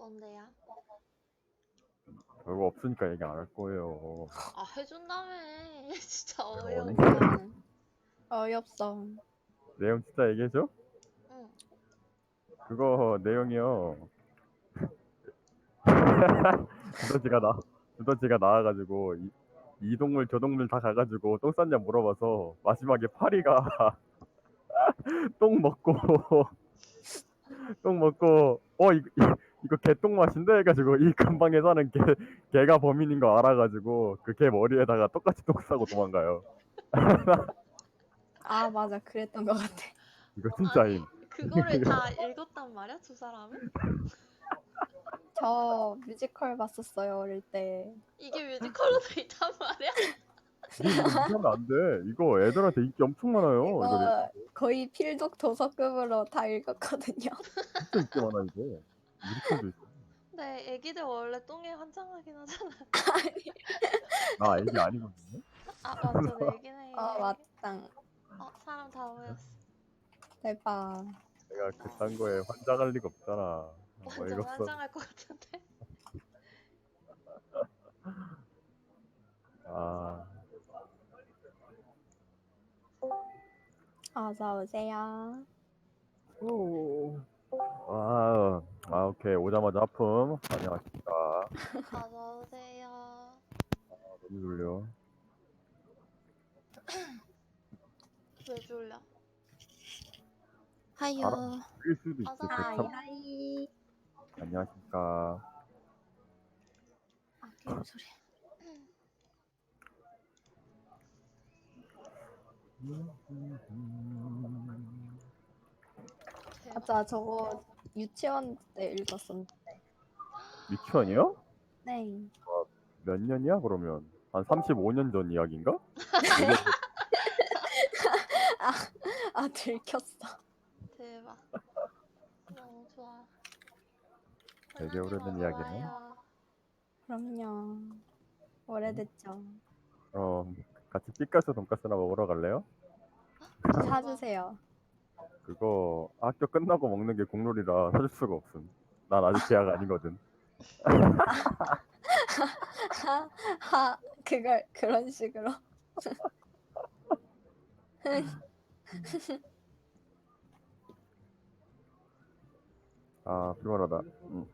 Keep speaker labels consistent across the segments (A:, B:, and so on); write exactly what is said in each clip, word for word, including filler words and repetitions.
A: 뭔데요?
B: 별거 없으니까 얘기 안 할 거예요.
A: 아, 해준다며. 진짜
B: 어디?
A: 어이없네.
C: 어이없어.
B: 내용 진짜 얘기해줘?
A: 응.
B: 그거 내용이요. 두더지가 나 두더지가 나와가지고 이, 이 동물 저 동물 다 가가지고 똥 쌌냐 물어봐서 마지막에 파리가 똥 먹고 똥 먹고 어 이거 이거 개똥 맛인데 해가지고 이 근방에 사는 개 개가 범인인 거 알아가지고 그 개 머리에다가 똑같이 똥 싸고 도망가요.
C: 아, 맞아. 그랬던 것 같아.
B: 이거
A: 아니,
B: 진짜임.
A: 그거를 다 읽었단 말이야, 두 사람은?
C: 저 뮤지컬 봤었어요, 어릴 때.
A: 이게 뮤지컬로 돼 있단 말이야?
B: 니 이거 무시하면 안 돼. 이거 애들한테 인기 엄청 많아요. 이거
C: 이거 거의 필독 도서급으로 다 읽었거든요.
B: 진짜 인기 많아 이거. 뮤지컬도 있어.
A: 근데 애기들 원래 똥에 환장하긴 하잖아.
B: 나 애기 아니거든요.
A: 아, 완전 애기네.
C: 아, 맞당.
A: 어, 사람 다 모였어.
C: 대박.
B: 내가 그딴 거에 환장할 리가 없잖아.
A: 완전
B: 어이가 없어.
A: 환장할 것 같은데?
B: 아,
C: 어서 오세요.
B: 오. 아, 아 오케이 오자마자 아픔. 안녕하십니까.
A: 어서오세요.
B: 너무 졸려.
A: 왜 졸려?
C: 하유.
B: 알아. 일 수도 있지.
A: 어서
B: 그
C: 하이,
B: 참.
A: 와요.
C: 하이.
B: 안녕하십니까.
C: 아, 게임 소리.
A: 대박.
C: 맞아, 저거 유치원 때 읽었었는데.
B: 유치원이요?
C: 네.
B: 몇 년이야 그러면? 한 삼십오 년 전 이야기인가? 되게
C: 아, 아, 들켰어.
A: 대박. 너무 좋아.
B: 되게
A: 홀라님
B: 오래된
A: 어서
B: 이야기네.
A: 와요.
C: 그럼요. 오래됐죠.
B: 어, 같이 삐까스 돈까스나 먹으러 갈래요?
A: 좋은 거.
C: 사주세요.
B: 그거 학교 끝나고 먹는 게 국룰이라 사줄 수가 없음. 난 아직 계약 아니거든.
C: 하, 하, 그걸 그런 식으로.
B: 아, 피곤하다. 응.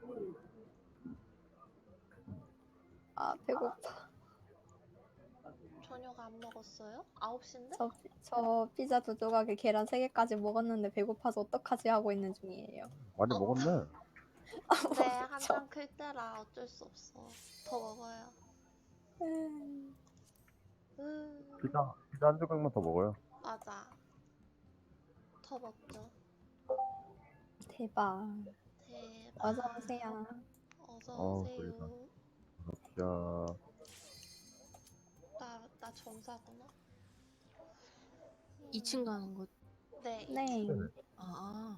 C: 아, 배고파.
A: 저녁 안 먹었어요? 아홉 시인데?
C: 저, 저 피자 두 조각에 계란 세 개까지 먹었는데 배고파서 어떡하지 하고 있는 중이에요.
B: 많이
A: 어?
B: 먹었네.
A: 네,
C: 저-
A: 한창 클 때라 어쩔 수 없어. 더 먹어요.
C: 음,
A: 으,
B: 피자, 피자 한 조각만 더 먹어요.
A: 맞아. 더 먹죠.
C: 대박.
A: 대박.
C: 어서 오세요.
A: 어서
B: 어, 졸리다.
A: 오세요.
B: 진짜.
A: 나, 나 점사구나.
D: 이 층 가는 곳.
A: 네.
C: 네.
D: 아,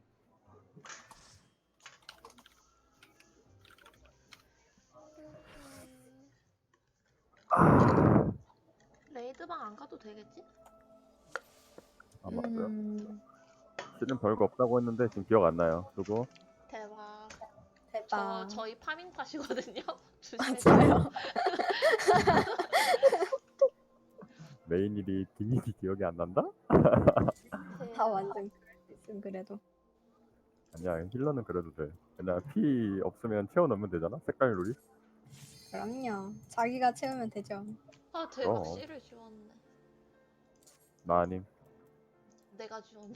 A: 레이드방 안 가도 되겠지?
B: 아, 맞고요.
C: 음,
B: 실은 별거 없다고 했는데 지금 기억 안 나요. 누구?
A: 대박. 저,
C: 대박.
A: 저희 파밍 탓이거든요?
C: 맞아요.
A: 조심해주세요.
B: 메인 일이 뒷일이 기억이 안 난다?
C: 다 완전 그럴 수 있음, 그래도.
B: 아니야, 힐러는 그래도 돼. 그냥 피 없으면 채워 넣으면 되잖아. 색깔 룰이.
C: 그럼요. 자기가 채우면 되죠.
A: 아, 대박.
B: 그럼.
A: 씨를 지웠네.
B: 나 아님.
A: 내가 지웠는데.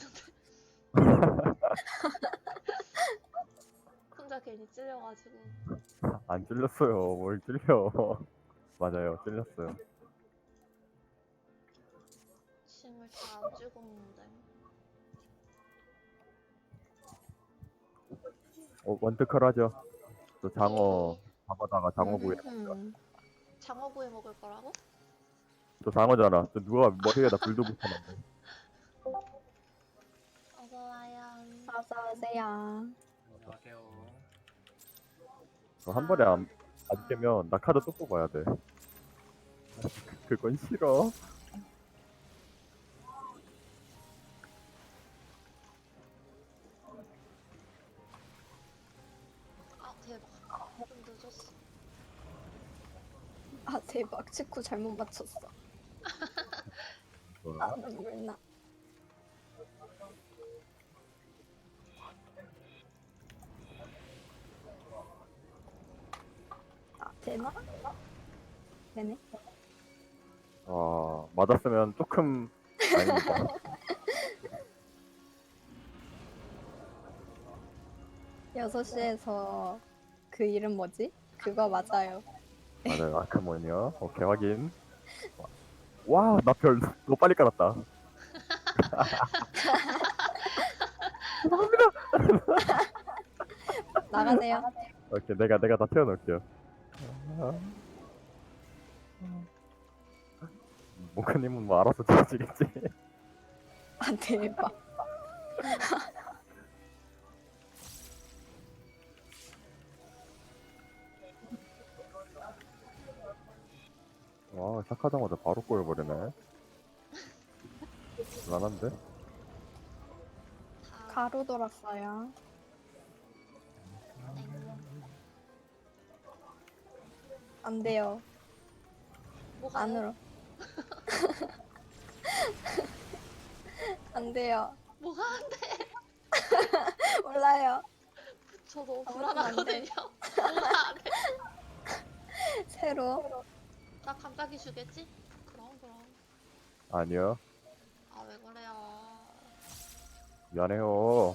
A: 혼자 괜히 찔려가지고.
B: 안 찔렸어요. 뭘 찔려. 맞아요, 찔렸어요.
A: 침을 다 안 찍었는데.
B: 어, 원트컬 하죠. 또 장어
A: 예.
B: 잡아다가 장어 구이.
C: 음,
A: 장어구이 먹을 거라고?
B: 또 장어잖아. 또 누가 머리에다 불도 붙여놨네.
A: 어서 와요.
C: 어서 오세요.
E: 안녕하세요.
B: 그거 한 번에 안, 안 깨면 나 카드 또 뽑아야 돼. 그건 싫어.
A: 아, 맞췄어.
C: 아 대박 치쿠 잘못 맞췄어.
B: 뭐야?
C: 아 눈물 나. 아 되나? 되네.
B: 아, 맞았으면 조금 아닙니다.
C: 여섯 시에서 그 이름 뭐지? 그거 맞아요.
B: 맞아요. 아크몬이요. 오케이, 확인. 와, 나 별 너무 빨리 깔았다.
C: 나가세요.
B: 오케이, 내가 내가 다 태워놓을게요. 몽크님은 뭐 알아서 지어지겠지.
C: 아 대박.
B: 와, 시작하자마자 바로 꼬여버리네. 불안한데?
A: 다
C: 가로 돌았어요.
A: 땡.
C: 안 돼요.
A: 뭐가
C: 안으로. 안 돼요.
A: 뭐가 안 돼?
C: 몰라요.
A: 저 너무
C: 아무것도 안 돼.
A: 불안하거든요. 뭐가 안 돼?
C: 새로.
A: 나 감각이 주겠지? 그럼 그럼.
B: 아니요.
A: 아 왜 그래요?
B: 미안해요.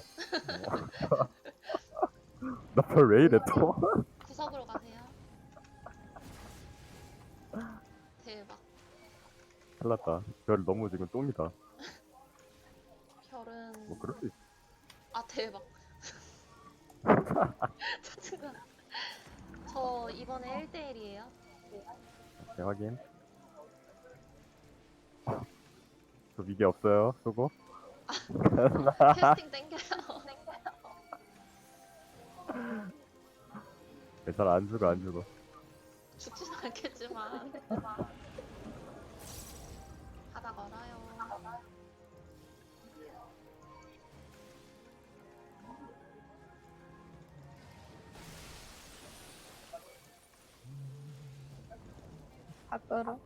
B: 나 별 왜 이래 또?
A: 구석으로 가세요. 대박.
B: 큰일 났다. 별 너무 지금 똥이다.
A: 별은
B: 뭐 그럴 수 있어.
A: 아 대박. 짜증나. 저 이번에 일 대일이에요.
B: 오케이, 확인. 저 미개 없어요. 수고.
A: 캐스팅 땡겨요.
B: 괜찮아, 안 죽어, 안 죽어.
A: 죽지는 않겠지만 하다 걸어요.
C: 밖으로.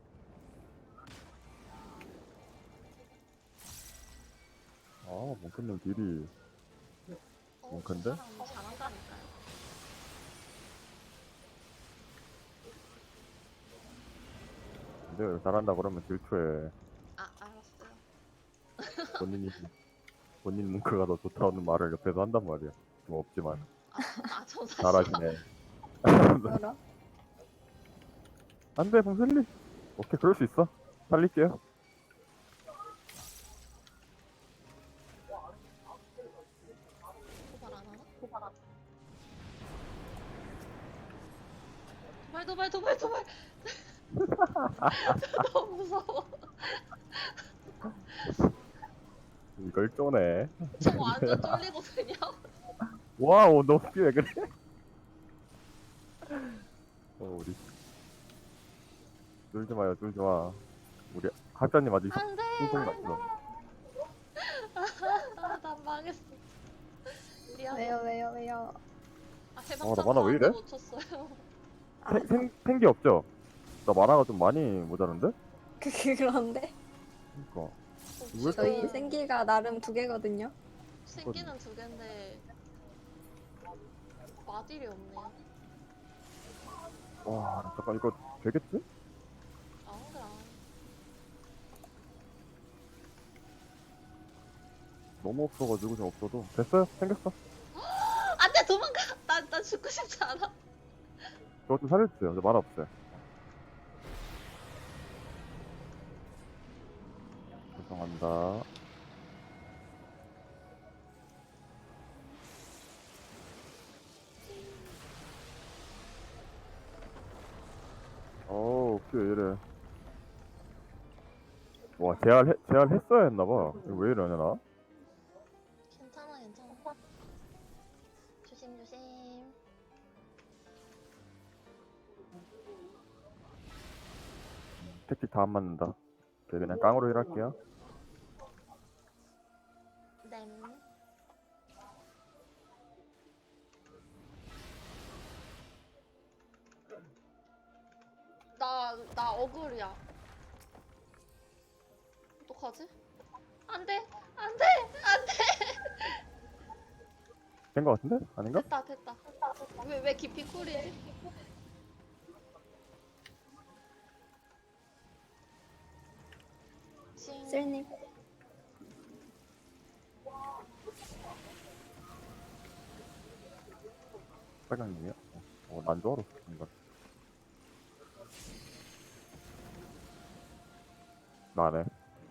B: 아, 몽크님 딜이.
A: 어,
B: 몽크인데?
A: 그 사람 잘한다니까요.
B: 근데 왜 잘한다 그러면 질투해.
A: 아 알았어요.
B: 본인이, 본인 몽크가 더 좋다는 말을 옆에서 한단 말이야. 뭐 없지만.
A: 아저 사실
B: 잘하시네.
C: 밖으로.
B: 안 돼, 봉슬리. 오케이, 그럴 수 있어. 살릴게요.
A: 도발 안 하나? 도발 도발 도발 도발. 너무 무서워.
B: 이걸 쪼네.
A: 저 완전 쫄리거든요.
B: 와우, 너 왜 그래? 어, 우리. 쫄지 마요, 쫄지 마. 우리 학자님 아직
A: 안돼.
B: 소송 났어.
A: 아난 망했어. 미안해.
C: 왜요 왜요 왜요.
A: 아
B: 어,
A: 해방
B: 나 만화 왜 이래?
A: 못 쳤어요.
C: 아,
B: 생, 생, 생기 없죠? 나 만화가 좀 많이 모자른데?
C: 그 그런데
B: 그니까.
A: 지금
C: 저희 생기가 나름 두 개거든요.
A: 생기는 두 개인데 마딜이 없네요.
B: 와, 잠깐, 이거 되겠지?
A: 아 그래.
B: 너무 없어가지고 좀 없어도. 됐어요? 생겼어.
A: 안돼 도망가. 나 나 죽고 싶지 않아.
B: 저거 좀 살려주세요. 저 만화 없어요. 죄송합니다. 어우, 왜 이래. 와, 재활, 해, 재활 했어야 했나봐. 이거 왜 이러냐, 나?
A: 괜찮아 괜찮아. 조심 조심.
B: 택틱 다 안 맞는다. 오케이, 그냥 깡으로 일할게요.
A: 램. 나, 나 어글이야. 어떡하지? 안 돼! 안 돼! 안 돼!
B: 된 거 같은데? 아닌가?
A: 됐다, 됐다. 왜, 왜 깊이 쿨이지? 징.
C: 쓸님.
B: 빨강님이야? 어, 난 줄 알았어. 뭔가. 나네.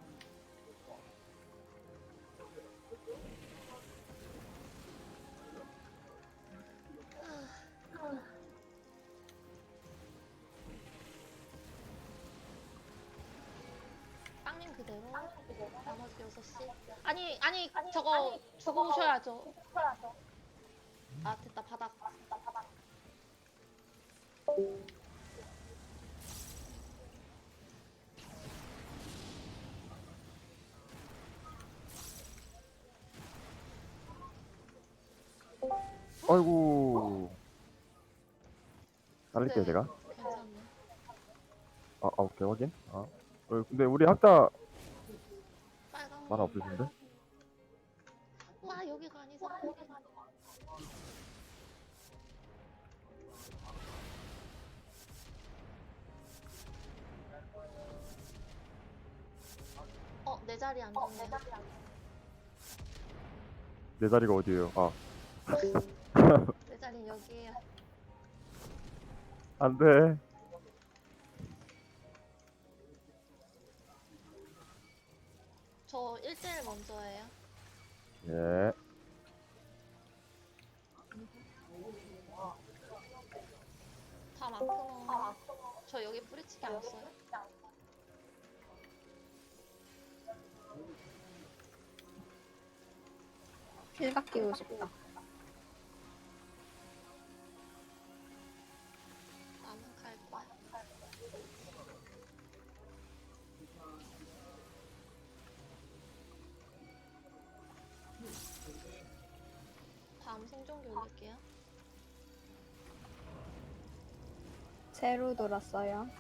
A: 빵님 그대로. 나머지 여섯 시. 아니, 아니, 저거 주고 오셔야죠. 아, 됐다, 바닥.
B: 아이고. 날릴게요,
A: 네,
B: 제가.
A: 괜찮네.
B: 아, 아, 오케이, 확인. 아. 어, 근데 우리 학자
A: 빨강.
B: 만화 없으신데?
A: 와, 여기가 아니잖아. 여기가 아니잖아. 어, 내 자리 안 좋네.
B: 내 자리가 어디예요? 아,
A: 내 자리 여기에요.
B: 안 돼.
A: 저 일 대 일 먼저 해요.
B: 예.
A: 다 마크로. 저 여기 뿌리치기 안 써요?
C: 필각 끼고 싶다.
A: 나는 갈 거야. 다음 생존기 올릴게요.
C: 새로 돌았어요.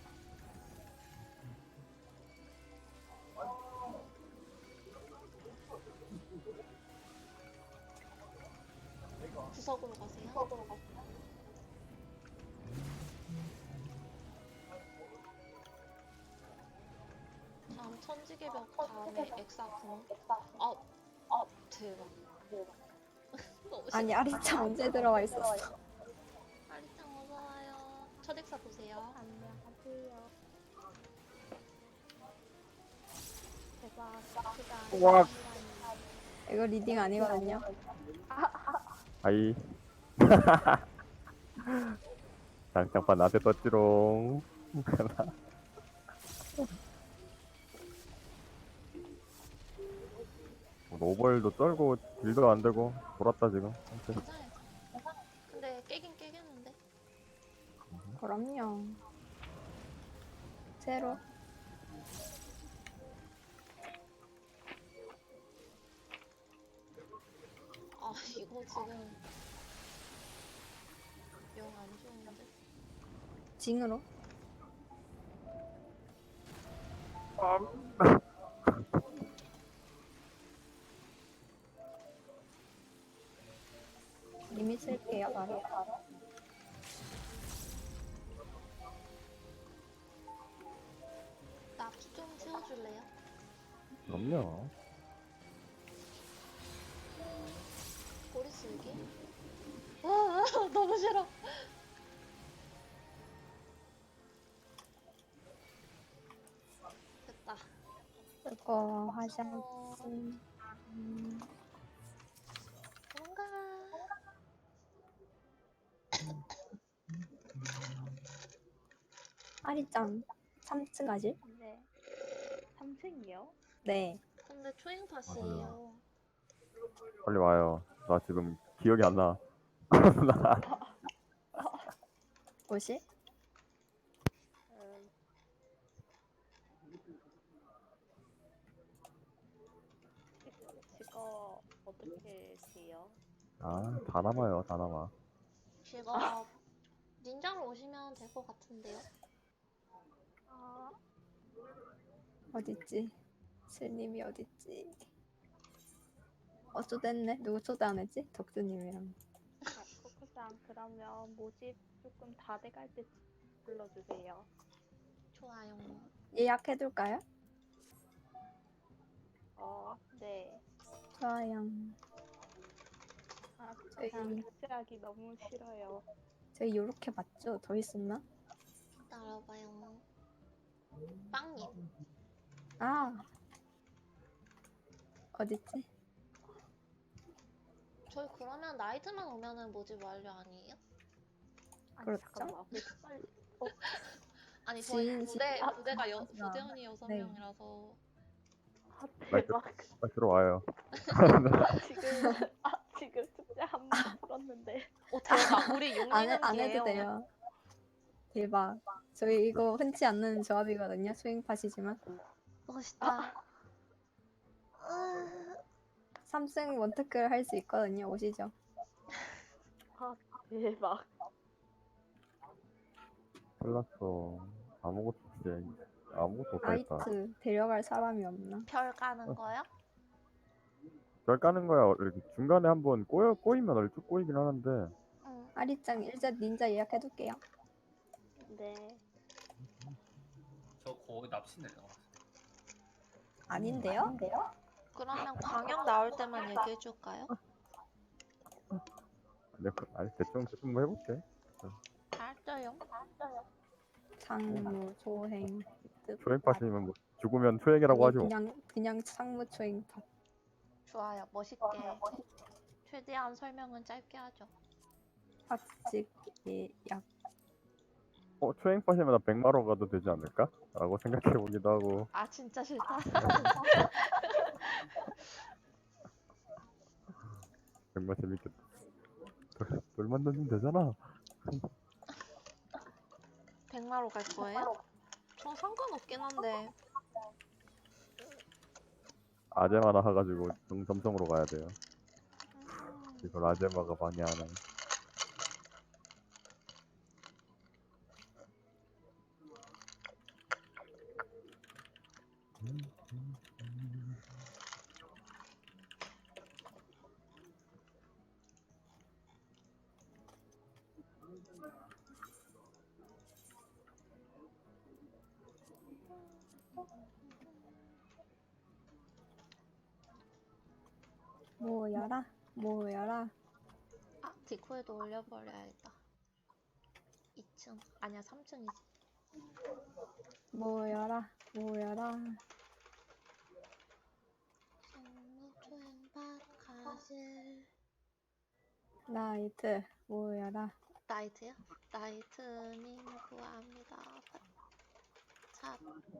A: 구석으로 가세요. 다음 천지개벽 다음에 엑사군. 아, 아 대박. 너무
C: 아니
A: 싫다.
C: 아리짱 언제 들어와 있었어?
A: 아리짱 어서와요. 첫 엑사 보세요.
C: 안녕하세요. 대박.
B: 와.
C: 이거 리딩 아니거든요.
B: 아이. 장장판 나한테 떴지롱. 노벌도 쩔고 딜도 안 되고 돌았다 지금. 아무튼
A: 괜찮아요. 근데 깨긴 깨겠는데.
C: 그럼요. 새로.
A: 아 이거 지금 영 안 좋은데.
C: 징으로. 이미 쓸게요 바로.
A: 나 피 좀 채워줄래요?
B: 그럼요.
A: 꼬리 쓸기? 아 너무 싫어. 됐다.
C: 그거 하자.
A: 어,
C: 음,
A: 뭔가
C: 아리짱 삼 층 가지?
F: 네. 삼 층이요?
C: 네.
A: 근데 초행팟이에요.
B: 빨리 와요. 나 지금 기억이 안 나. 나
C: 옷이?
F: 음, 이거 어떻게 돼요?
B: 아, 다 남아요. 다 남아.
A: 제가 닌자로 오시면 될 것 같은데요?
F: 아,
C: 어딨지? 슬님이 어딨지? 어 초대했네. 누구 초대 안 했지? 덕수님이랑.
F: 아, 코코상 그러면 모집 조금 다 돼갈 때 불러주세요.
A: 좋아요.
C: 예약해둘까요?
F: 어, 네.
C: 좋아요.
F: 아,
C: 저희
F: 그냥 무시하기 너무 싫어요.
C: 저희 요렇게 맞죠? 더 있었나?
A: 따라봐요. 빵님.
C: 아 어딨지?
A: 저희 그러면 나이트만 오면은 모집 완료 아니에요?
F: 아니,
C: 그렇죠?
F: 잠깐만. 왜 이렇게 빨리.
A: 아니 저희
C: 지인,
A: 부대
C: 지인.
A: 부대가 여,
C: 아,
A: 부대원이 여섯
C: 네.
A: 명이라서
F: 아,
B: 말
F: 대박.
B: 빨리 들어와요.
F: 지금, 아, 지금 숙제 한 번 풀었는데.
A: 오 대박. 우리
C: 안, 해, 안 해도
A: 용리는기예요.
C: 돼요. 대박. 저희 이거 흔치 않는 조합이거든요. 스윙팟이지만.
A: 멋있다.
C: 삼승 원테크를 할 수 있거든요. 오시죠.
F: 아, 대박.
B: 잘났어. 아무것도 없지. 아무것도 없다니까.
C: 아이트 데려갈 사람이 없나?
A: 별 까는 거요?
B: 별 까는 거야. 이렇게 중간에 한번 꼬여 꼬이면 얼쭉 꼬이긴 하는데.
A: 응.
C: 아리짱 일자 닌자 예약해둘게요.
F: 네.
E: 저 거의 납치 내려갔어요.
C: 아닌데요?
A: 그러면 광역 나올 때만 얘기해 줄까요?
B: 근데 그- 아니 대충 대충 뭐 해볼게.
A: 알았어요.
C: 상무 초행
B: 초행팟이면 뭐 죽으면 초행이라고 하죠.
C: 그냥 그냥 상무 초행팟.
A: 좋아요. 멋있게. 최대한 설명은 짧게 하죠.
C: 팟직 예약.
B: 어 초행팟이면 나 백마로 가도 되지 않을까? 라고 생각해 보기도 하고.
A: 아 진짜 싫다.
B: 백마 재밌겠다. 돌, 돌 만들면 되잖아.
A: 백마로 갈 거예요? 전 상관없긴 한데.
B: 아제마나 해가지고 정 점성으로 가야 돼요.
A: 음,
B: 이걸 아제마가 방해하네.
C: 모여라 모여라.
A: 아 디코에도 올려버려야겠다. 이 층 아니야 삼 층이지.
C: 모여라 모여라.
A: 성무 초행밭 가실.
C: 나이트 모여라.
A: 나이트요? 나이트님 구합니다. 자,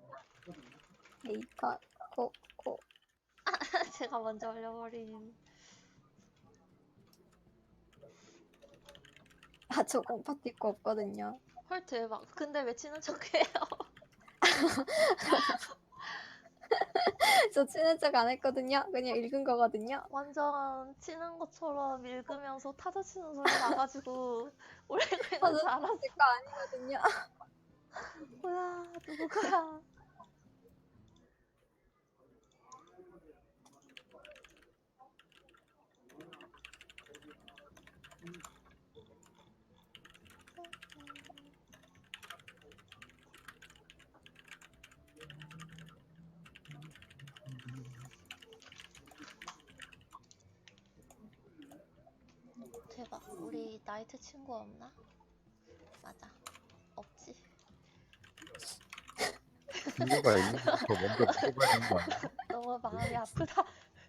C: 에이컷 코코.
A: 제가 먼저 올려버린.
C: 아 저 공파티 거 없거든요.
A: 헐 대박. 근데 왜 치는 척해요?
C: 저 친한 척 안 했거든요. 그냥 읽은 거거든요.
A: 완전 치는 것처럼 읽으면서 타자 치는 소리 나가지고 올리고
C: 아,
A: 있는 줄
C: 저
A: 알았어.
C: 거 아니거든요.
A: 뭐야 누구야? 대박. 우리 나이트 친구 없나? 맞아. 없지.
B: 친구가 있는 것부터 먼저 물어봐야 되는 거 아니야?
A: 너무 마음이 아프다.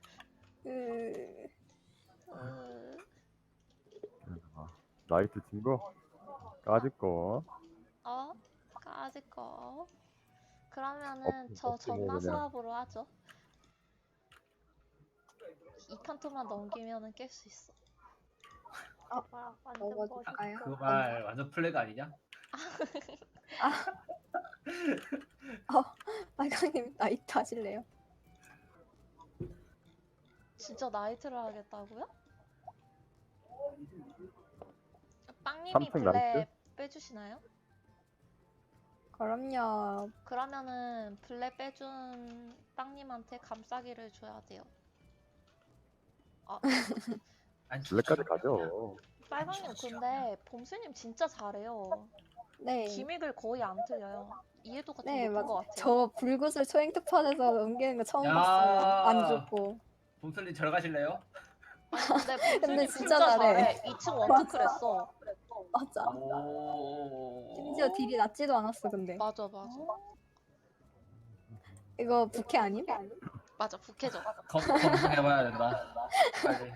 C: 그
A: 으,
B: 아, 나이트 친구? 까짓 거.
A: 어? 까짓 거. 그러면은
B: 없-
A: 저
B: 없지 뭐
A: 전마
B: 그냥.
A: 수업으로 하죠. 이 칸토만 넘기면은 깰 수 있어.
F: 와, 완전
C: 먹어줄까요?
F: 멋있어.
E: 그 말 완전 플래그 아니냐?
C: 빨강님 나이트 하실래요?
A: 진짜 나이트를 하겠다고요? 빵님이
B: 삼층
A: 블랙
B: 나이트?
A: 빼주시나요?
C: 그럼요.
A: 그러면은 블랙 빼준 빵님한테 감싸기를 줘야 돼요.
E: 안
B: 블랙까지
E: 춥죠?
B: 가죠.
A: 빨강님 근데 봄수님 진짜 잘해요.
C: 네.
A: 기믹을 거의 안 틀려요. 이해도가 좀
C: 네,
A: 높은
C: 맞아.
A: 것 같아요.
C: 저 불구슬 초행특판에서 넘기는 거 처음
E: 야.
C: 봤어요. 안 죽고.
E: 봄슬님 절 가실래요?
A: 아니 근데 봄수님
C: 근데
A: 진짜,
C: 진짜
A: 잘해.
C: 잘해.
A: 이 층 원투클 했어.
C: 맞아.
E: 오.
C: 심지어 딜이 낮지도 않았어, 근데.
A: 맞아 맞아.
C: 이거 부캐 아님?
A: 맞아 북해져.
E: 검 검증해봐야 된다. 빨리.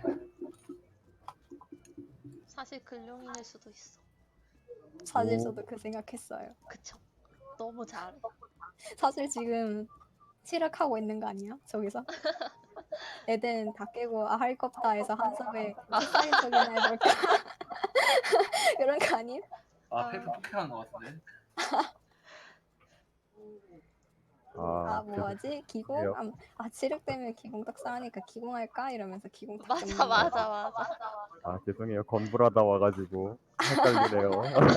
A: 사실 근룡인일 수도 있어.
C: 사실
B: 오.
C: 저도 그 생각했어요.
A: 그쵸. 너무 잘해.
C: 사실 지금 치락하고 있는 거 아니야? 저기서? 애들은 다 깨고 아, 할 거 없다 해서 한섭에 식사인 척이나 해볼까? 그런 거 아님?
E: 아 페이퍼 폭행한 것 같은데.
C: 아
B: 아,
C: 뭐하지? 기공?
B: 그래요?
C: 아, 아 치력 때문에 기공 딱상하니까 기공할까? 이러면서 기공 딱
A: 맞아
C: 끊는 거.
A: 맞아 맞아.
B: 아 죄송해요. 건불하다 와가지고 헷갈리네요.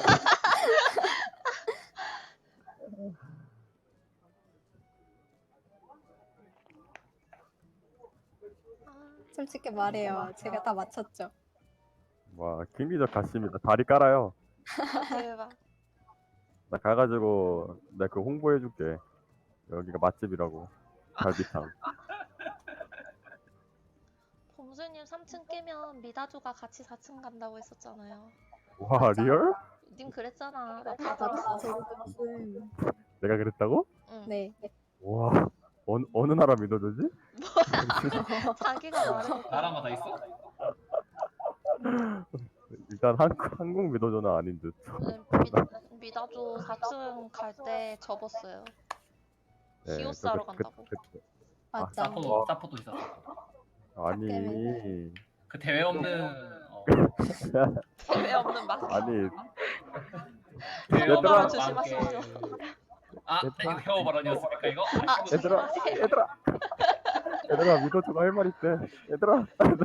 A: 아,
C: 솔직히 말해요. 제가 다 맞췄죠.
B: 와 김기적 갔습니다. 다리 깔아요.
A: 대박.
B: 나 가가지고 내가 그 홍보해줄게. 여기가 맛집이라고. 갈비탕.
A: 봄수님 삼 층 깨면 미다조가 같이 사 층 간다고 했었잖아요.
B: 와
C: 맞아.
B: 리얼?
A: 님 그랬잖아. 나 다
C: 맞아.
A: 들었어.
C: 저도 무슨
B: 내가 그랬다고?
A: 응.
C: 네.
B: 와 어느 어느 나라 믿어주지?
A: 자기가 말해놓고.
E: 나라마 다 있어?
B: 일단 한국 한국 믿어줘는 아닌 듯.
A: 네, 미, 미다조 사 층 갈 때 접었어요.
B: 네,
A: 히오스 하러
B: 그- 그-
A: 간다고.
B: 그-
C: 맞아.
E: 사포도 사포도 있었어.
B: 아니
E: 그 대회 없는 어,
A: 대회 없는 막.
B: 아니
E: 대회
A: 얘들아.
E: 없는
A: 조심하십시오.
E: 만개. 아 이거 혐오 발언이었습니까 이거?
A: 아,
E: 아,
B: 얘들아
A: 조심하세요.
B: 얘들아 얘들아 믿어줘가 할 말 있대. 얘들아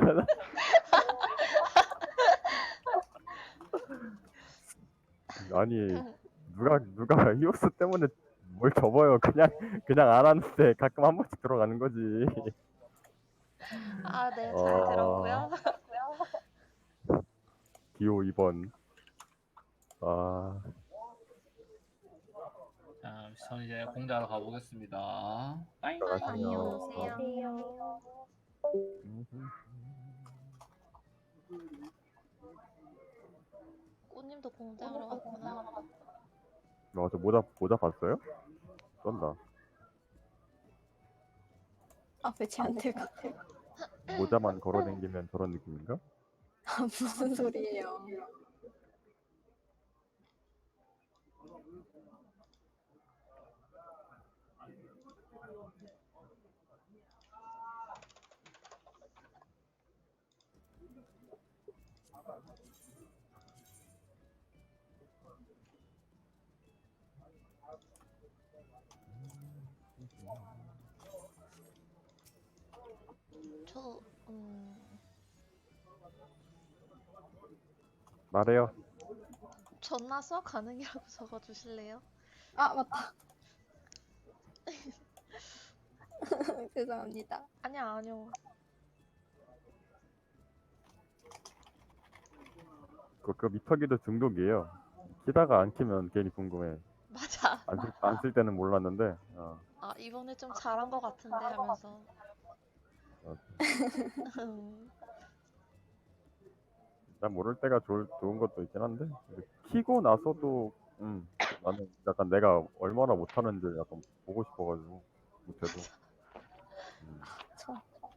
B: 아니 누가 누가 히오스 때문에 뭘 접어요. 그냥 그냥 안 하는데 가끔 한 번씩 들어가는 거지.
A: 아, 네, 잘
B: 어.
A: 들었고요.
B: 기호 이 번. 아
E: 자, 전 이제 공자로 가보겠습니다. 빠잉.
B: 들어가세요.
C: 안녕하세요.
A: 꽃님도 공대하러 왔구나.
B: 어저 모자 모자 봤어요? 쩐다.
C: 아 배치 안 되고.
B: 모자만 걸어댕기면 저런 느낌인가?
C: 아 무슨 소리예요?
A: 저, 음,
B: 말해요.
A: 전나 수학 가능이라고 적어주실래요?
C: 아 맞다. 죄송합니다.
A: 아니야, 아니요.
B: 그, 그 미터기도 중독이에요. 키다가 안 키면 괜히 궁금해.
A: 맞아.
B: 안 쓸 안 쓸 때는 몰랐는데. 어.
A: 아, 이번에 좀 잘한 것 같은데 하면서.
B: 어.
A: 음,
B: 난 모를 때가 좋을, 좋은 것도 있긴 한데 근데 키고 나서도 음 나는 약간 내가 얼마나 못하는지 약간 보고 싶어가지고 못해도 음,
C: 저.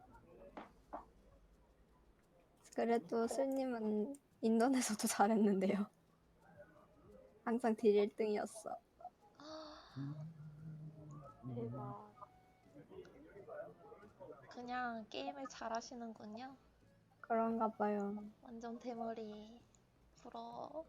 C: 그래도 슬님은 인턴에서도 잘했는데요. 항상 딜 일 등이었어.
F: 대박.
A: 그냥 게임을 잘하시는군요.
C: 그런가 봐요.
A: 완전 대머리. 부러워.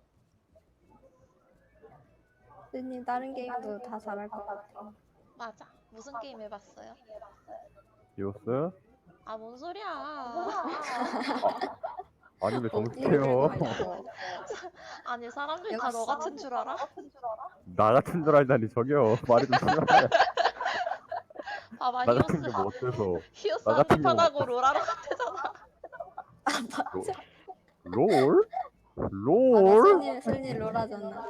C: 슬님 다른 게임도 다 잘할 것 같아.
A: 맞아. 무슨 게임 해봤어요?
B: 히오스
A: 아, 뭔 소리야.
B: 아니 왜
C: 어디를
B: 정숙해요?
C: 가려고.
A: 아니 사람들이 다
C: 여기
A: 너 같은 줄 알아?
B: 나 같은 줄 알다니 저기요. 말이 좀 심하네.
A: 봐봐
B: 나
A: 히오스
B: 같은 게 뭐 어때서?
A: 히오스
B: 나 같은 게 뭐
A: 한판하고
B: 어때서?
A: 롤하러 갔대잖아.
B: 롤?
C: 맞아,
B: 롤?
C: 슬님, 슬님 롤하잖아.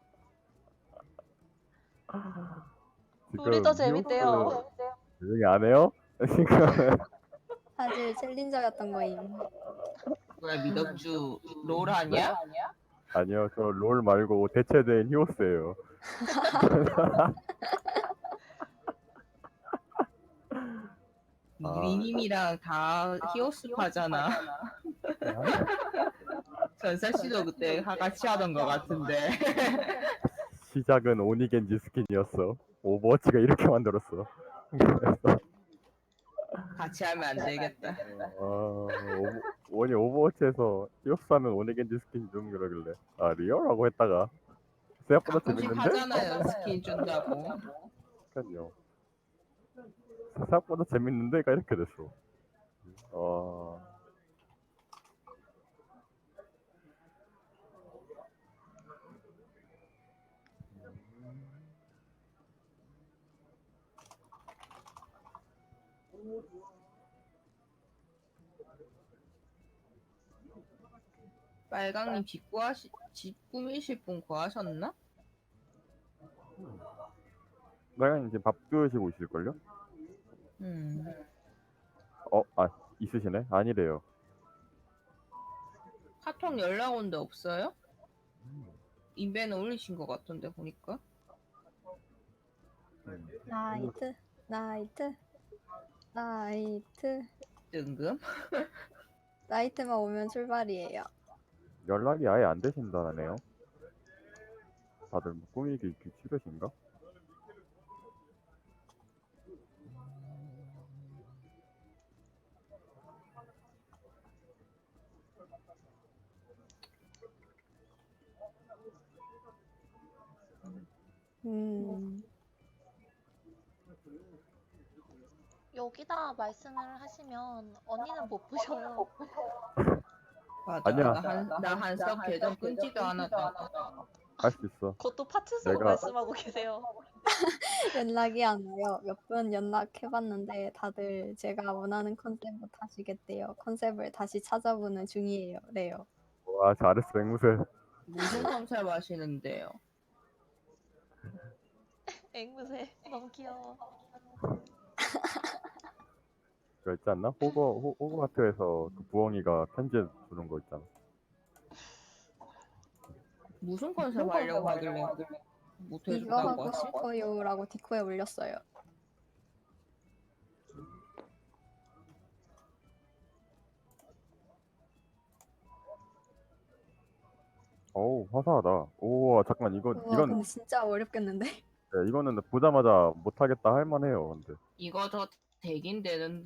A: 롤이 더
B: 지금
A: 재밌대요.
B: 히오스 조용히 안 해요? 지금
C: 사실 챌린저였던 거임.
D: 뭐야 미덕주 롤 하냐?
B: 아니요 저 롤 말고 대체된 히오스예요. 아.
D: 미리님이랑 다 히오스파잖아. 전사씨도 그때 하- 같이 하던 것 같은데.
B: 시작은 오니겐지 스킨이었어. 오버워치가 이렇게 만들었어. 그래서
D: 같이 하면 안 되겠다.
B: 어, 오버, 원이 오버워치에서 히오스 하면 오니겐지 스킨 주는 그러길래 아 리얼하고 했다가 생각보다
D: 가끔씩
B: 재밌는데?
D: 하잖아요 스킨 준다고.
B: 그러니까요. 생각보다 재밌는데가 이렇게 됐어. 어...
D: 빨강님 집 구하시 집 꾸미실 분 구하셨나?
B: 나가 이제 밥 드시고 있을걸요?
D: 음.
B: 어, 아 있으시네? 아니래요.
D: 카톡 연락 온 데 없어요? 인벤에 올리신 것 같던데 보니까.
B: 음.
C: 나이트, 나이트, 나이트.
D: 뜬금?
C: 나이트만 오면 출발이에요.
B: 연락이 아예 안 되신다네요. 다들 뭐 꾸미기 기- 싫으신가?
C: 음,
A: 여기다 말씀을 하시면 언니는 못 보셔요.
D: 맞아.
B: 아니야.
D: 나 한석 계정 끊지도 않았다.
B: 할 수 있어.
A: 그것도 파츠 쓰고
B: 내가-
A: 말씀하고 계세요.
C: 연락이 안 와요. 몇 번 연락해봤는데 다들 제가 원하는 컨셉을 하시겠대요. 컨셉을 다시 찾아보는 중이에요. 래요.
B: 와 잘했어 앵무새.
D: 무슨 컨셉 하시는데요?
A: 앵무새 너무 귀여워.
B: 그거 있지 않나? 호거 호, 호그와트에서 그 부엉이가 편지 주는 거 있잖아.
D: 무슨 컨셉 하려고 하길래 못
C: 이거
D: 해준다고
C: 하고
D: 하지?
C: 싶어요라고 디코에 올렸어요.
B: 어우 화사하다. 오 잠깐 이거
C: 우와,
B: 이건
C: 근데 진짜 어렵겠는데?
B: 네, 이거는 보자마자 못하겠다 할 만해요. 근데
D: 이거 더 대긴 되는데